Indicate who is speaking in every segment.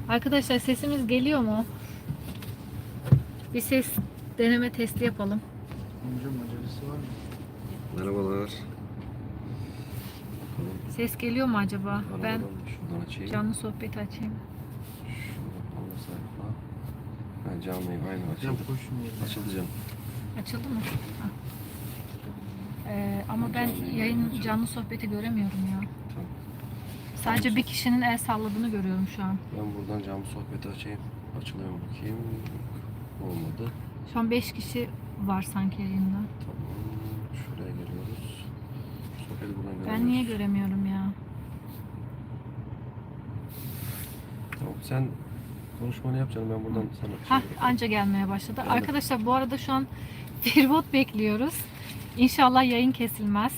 Speaker 1: Arkadaşlar sesimiz geliyor mu? Bir ses deneme testi yapalım.
Speaker 2: Amcam acelesi var mı?
Speaker 3: Merhabalar.
Speaker 1: Ses geliyor mu acaba? Ben
Speaker 3: Şuradan açayım.
Speaker 1: canlı sohbeti açayım.
Speaker 3: Şuradan ana sayfa. Ben canlıyım aynı
Speaker 2: Amcam
Speaker 3: açıldı.
Speaker 2: koşun yerine.
Speaker 3: Açıldı canım.
Speaker 1: Açıldı mı? Ha. Ama ben yayın canlı sohbeti göremiyorum ya.
Speaker 3: Tamam.
Speaker 1: Sadece bir kişinin el salladığını görüyorum şu an.
Speaker 3: Ben buradan canlı sohbeti açayım. Açılıyor mu bakayım. Olmadı.
Speaker 1: Şu an 5 kişi var sanki yayında.
Speaker 3: Tamam. Şuraya geliyoruz. Sohbeti buradan görüyoruz.
Speaker 1: Ben niye göremiyorum ya?
Speaker 3: Tamam. Sen konuşmanı yap canım. Ben buradan sana
Speaker 1: Hah,
Speaker 3: şey
Speaker 1: anca gelmeye başladı.
Speaker 3: Geldi.
Speaker 1: Arkadaşlar bu arada şu an feribot bekliyoruz. İnşallah yayın kesilmez.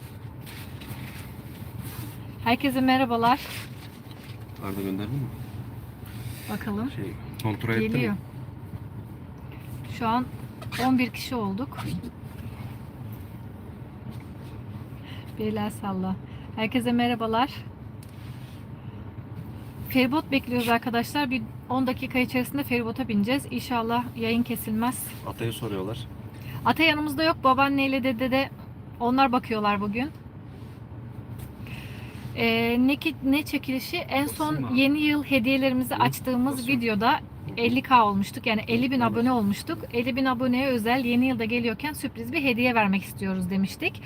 Speaker 1: Herkese merhabalar.
Speaker 3: Arda gönderdin mi?
Speaker 1: Bakalım.
Speaker 3: Kontrol ettin mi?
Speaker 1: Geliyor. Şu an 11 kişi olduk. Beyler salla. Herkese merhabalar. Feribot bekliyoruz arkadaşlar. Bir 10 dakika içerisinde feribota bineceğiz. İnşallah yayın kesilmez.
Speaker 3: Atayı soruyorlar.
Speaker 1: Ata yanımızda yok. Babaanneyle dede de onlar bakıyorlar bugün. Ne çekilişi? En son yeni yıl hediyelerimizi açtığımız videoda 50K olmuştuk. Yani 50.000 abone olmuştuk. 50.000 aboneye özel yeni yılda geliyorken sürpriz bir hediye vermek istiyoruz demiştik.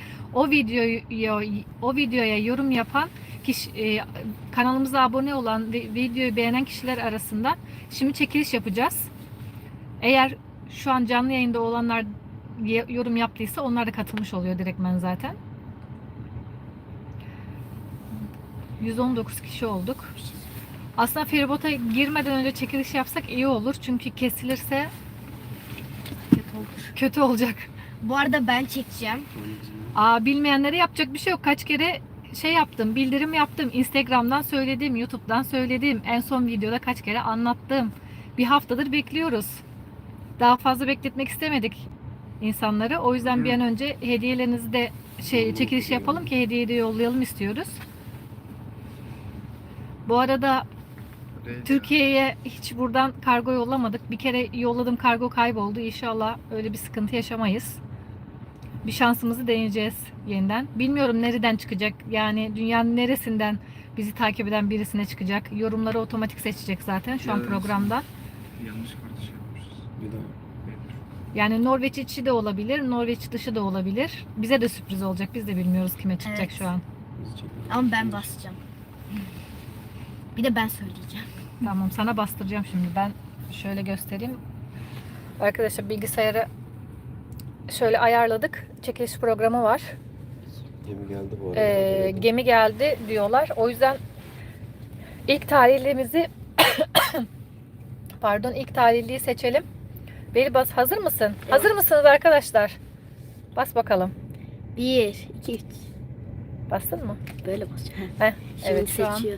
Speaker 1: O videoya yorum yapan kişi, kanalımıza abone olan ve videoyu beğenen kişiler arasında şimdi çekiliş yapacağız. Eğer şu an canlı yayında olanlar yorum yaptıysa onlar da katılmış oluyor direktmen zaten. 119 kişi olduk. Aslında feribota girmeden önce çekiliş yapsak iyi olur. Çünkü kesilirse kötü olacak.
Speaker 4: Bu arada ben çekeceğim.
Speaker 1: Bilmeyenlere yapacak bir şey yok. Kaç kere şey yaptım, bildirim yaptım. Instagram'dan söyledim, YouTube'dan söyledim. En son videoda kaç kere anlattım. Bir haftadır bekliyoruz. Daha fazla bekletmek istemedik insanları. O yüzden bir an önce hediyelerinizi de çekiliş yapalım ki hediyeyi de yollayalım istiyoruz. Bu arada Türkiye'ye hiç buradan kargo yollamadık. Bir kere yolladım, kargo kayboldu. İnşallah öyle bir sıkıntı yaşamayız. Bir şansımızı deneyeceğiz yeniden. Bilmiyorum nereden çıkacak. Yani dünyanın neresinden bizi takip eden birisine çıkacak. Yorumları otomatik seçecek zaten şu an programda.
Speaker 2: Yanlış kartı şey yapmışız.
Speaker 3: Bir daha.
Speaker 1: Yani Norveç içi de olabilir, Norveç dışı da olabilir. Bize de sürpriz olacak. Biz de bilmiyoruz kime çıkacak
Speaker 4: Evet.
Speaker 1: şu an.
Speaker 4: Ama ben basacağım. Bir de ben söyleyeceğim.
Speaker 1: Tamam, sana bastıracağım şimdi. Ben şöyle göstereyim. Arkadaşlar bilgisayara şöyle ayarladık. Çekiliş programı var.
Speaker 3: Gemi geldi bu arada.
Speaker 1: Gemi geldi diyorlar. O yüzden ilk tarihlimizi ilk tarihliyi seçelim. Beri bas. Hazır mısın?
Speaker 4: Evet.
Speaker 1: Hazır mısınız arkadaşlar? Bas bakalım.
Speaker 4: 1, 2, 3.
Speaker 1: Bastın mı?
Speaker 4: Böyle basacağım.
Speaker 1: Heh,
Speaker 4: Şimdi
Speaker 1: evet şu an.
Speaker 4: seçiyor.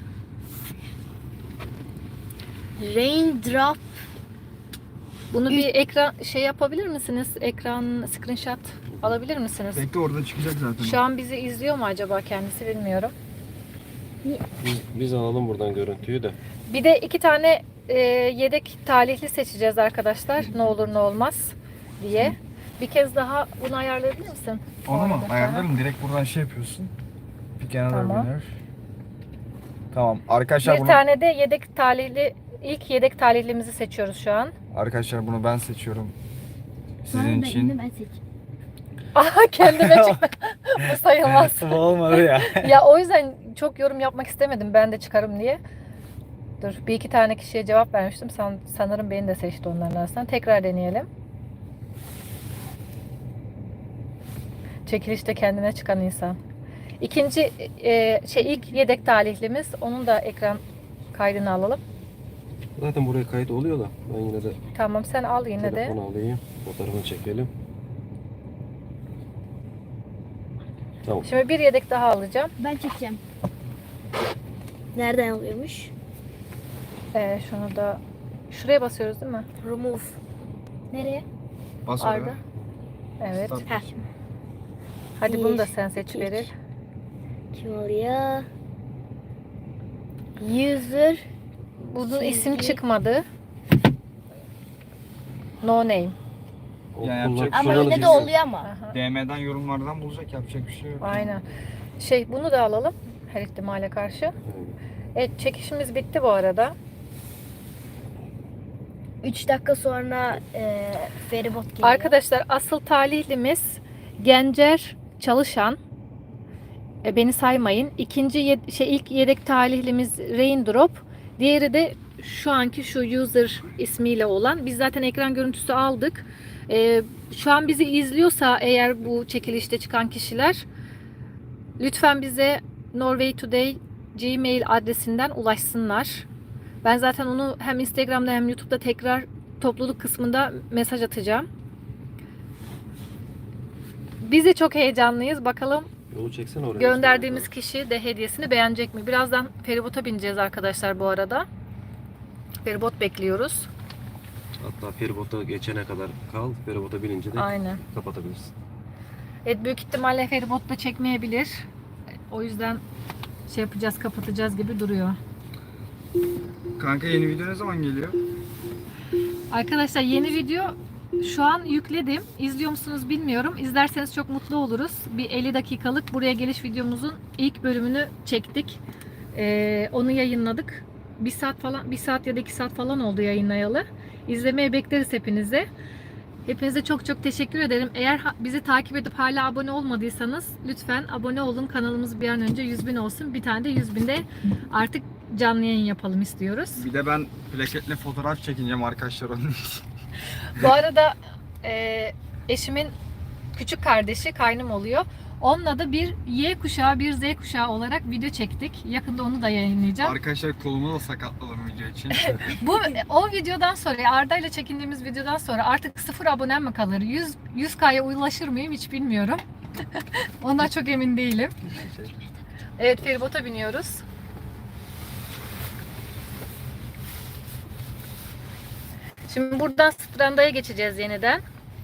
Speaker 4: Raindrop.
Speaker 1: Bunu bir ekran yapabilir misiniz? Ekran screenshot alabilir misiniz?
Speaker 2: Bekle orada çıkacak zaten.
Speaker 1: Şu an bizi izliyor mu acaba kendisi bilmiyorum.
Speaker 3: Biz alalım buradan görüntüyü de.
Speaker 1: Bir de 2 tane yedek talihli seçeceğiz arkadaşlar. Ne olur ne olmaz diye. Bir kez daha bunu ayarlayabilir misin?
Speaker 2: Onu mu?
Speaker 1: Arada.
Speaker 2: Ayarlarım. Direkt buradan şey yapıyorsun. Bir kenara
Speaker 1: Tamam.
Speaker 2: biner. Tamam. Arkadaşlar
Speaker 1: Bir
Speaker 2: bunu
Speaker 1: tane de yedek talihli, ilk yedek talihlimizi seçiyoruz şu an.
Speaker 2: arkadaşlar bunu ben seçiyorum. Sizin için.
Speaker 4: Ben seçeyim.
Speaker 1: Aha kendime çıktı. Bu sayılmaz.
Speaker 2: Bu olmadı ya.
Speaker 1: Ya o yüzden çok yorum yapmak istemedim ben de çıkarım diye. Dur, bir iki tane kişiye cevap vermiştim. Sanırım beni de seçti onların arasından. Tekrar deneyelim. Çekilişte kendine çıkan insan. İkinci ilk yedek talihlimiz. Onun da ekran kaydını alalım.
Speaker 3: Zaten buraya kayıt oluyor da ben yine de
Speaker 1: Tamam, sen al yine de.
Speaker 3: telefonu alayım. Fotoğrafını çekelim. Tamam.
Speaker 1: Şimdi bir yedek daha alacağım.
Speaker 4: Ben çekeceğim. Nereden alıyormuş?
Speaker 1: Şunu da şuraya basıyoruz değil mi?
Speaker 4: Remove. Nereye?
Speaker 2: Bas
Speaker 1: Arda.
Speaker 2: oraya.
Speaker 1: Evet.
Speaker 2: Start.
Speaker 4: Heh.
Speaker 1: Hadi bunu da sen
Speaker 4: Bir,
Speaker 1: seç
Speaker 4: iki,
Speaker 1: Beril.
Speaker 4: Kim oraya? User
Speaker 1: Bunun isim çıkmadı. No name.
Speaker 2: Yani
Speaker 3: Okullar
Speaker 2: yapacak
Speaker 4: Ama
Speaker 2: Şuralı
Speaker 4: öyle de
Speaker 2: birisi.
Speaker 4: oluyor ama.
Speaker 1: Aha,
Speaker 2: DM'den yorumlardan bulacak, yapacak bir şey yok.
Speaker 1: aynen. Bunu da alalım her ihtimale karşı. Evet, çekişimiz bitti bu arada.
Speaker 4: 3 dakika sonra feribot geliyor.
Speaker 1: Arkadaşlar asıl talihlimiz Gencer Çalışan. Beni saymayın. İlk yedek talihlimiz Raindrop. Diğeri de şu anki şu user ismiyle olan. Biz zaten ekran görüntüsü aldık. Şu an bizi izliyorsa eğer bu çekilişte çıkan kişiler lütfen bize Norway Today Gmail adresinden ulaşsınlar. Ben zaten onu hem Instagram'da hem YouTube'da tekrar topluluk kısmında mesaj atacağım. Biz de çok heyecanlıyız. Bakalım
Speaker 3: Yolu çeksene oraya.
Speaker 1: gönderdiğimiz kişi de hediyesini beğenecek mi? Birazdan feribota bineceğiz arkadaşlar bu arada. Feribot bekliyoruz.
Speaker 3: Hatta feribota geçene kadar kal. Feribota binince de
Speaker 1: Aynen.
Speaker 3: kapatabilirsin.
Speaker 1: Evet, büyük ihtimalle feribot da çekmeyebilir. O yüzden yapacağız, kapatacağız gibi duruyor.
Speaker 2: Kanka yeni video ne zaman geliyor?
Speaker 1: Arkadaşlar yeni video şu an yükledim. İzliyor musunuz bilmiyorum. İzlerseniz çok mutlu oluruz. Bir 50 dakikalık buraya geliş videomuzun ilk bölümünü çektik. Onu yayınladık. 1 saat ya da 2 saat falan oldu yayınlayalı. İzlemeye bekleriz hepinize. Hepinize çok çok teşekkür ederim. Eğer bizi takip edip hala abone olmadıysanız lütfen abone olun. Kanalımız bir an önce 100.000 olsun. Bir tane de 100.000'de artık canlı yayın yapalım istiyoruz.
Speaker 2: Bir de ben plaketle fotoğraf çekineceğim arkadaşlar onun için.
Speaker 1: Bu arada eşimin küçük kardeşi kaynım oluyor. Onunla da bir Y kuşağı, bir Z kuşağı olarak video çektik. Yakında onu da yayınlayacağım.
Speaker 2: Arkadaşlar kolumu da sakatladım video için.
Speaker 1: O videodan sonra, Arda ile çekindiğimiz videodan sonra artık 0 abonem mi kalır? 100K'ya ulaşır mıyım hiç bilmiyorum. Ondan çok emin değilim. Evet, feribota biniyoruz. Şimdi buradan Stranda'ya geçeceğiz yeniden.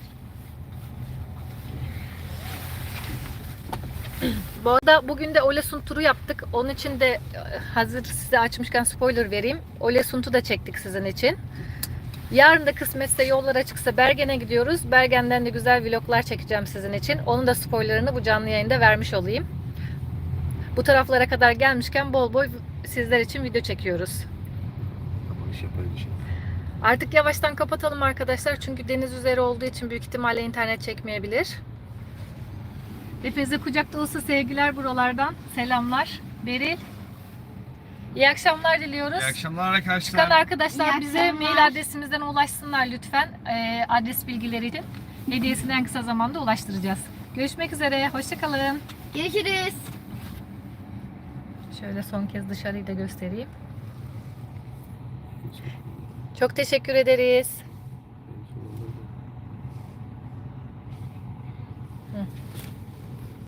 Speaker 1: Bu arada bugün de Olesund turu yaptık. Onun için de hazır size açmışken spoiler vereyim. Olesund'u da çektik sizin için. Yarın da kısmetse yollar açıksa Bergen'e gidiyoruz. Bergen'den de güzel vloglar çekeceğim sizin için. Onun da spoilerını bu canlı yayında vermiş olayım. Bu taraflara kadar gelmişken bol bol sizler için video çekiyoruz.
Speaker 3: Kapanış yaparız şimdi.
Speaker 1: Artık yavaştan kapatalım arkadaşlar. Çünkü deniz üzeri olduğu için büyük ihtimalle internet çekmeyebilir. Hepinize kucak dolusu sevgiler buralardan. Selamlar. Beril. İyi akşamlar diliyoruz.
Speaker 2: İyi akşamlar arkadaşlar.
Speaker 1: Çıkan arkadaşlar
Speaker 4: İyi
Speaker 1: bize
Speaker 4: akşamlar.
Speaker 1: mail adresimizden ulaşsınlar lütfen. Adres bilgileri için. Hediyesini en kısa zamanda ulaştıracağız. Görüşmek üzere. Hoşçakalın.
Speaker 4: Görüşürüz.
Speaker 1: Şöyle son kez dışarıyı da göstereyim. Çok teşekkür ederiz.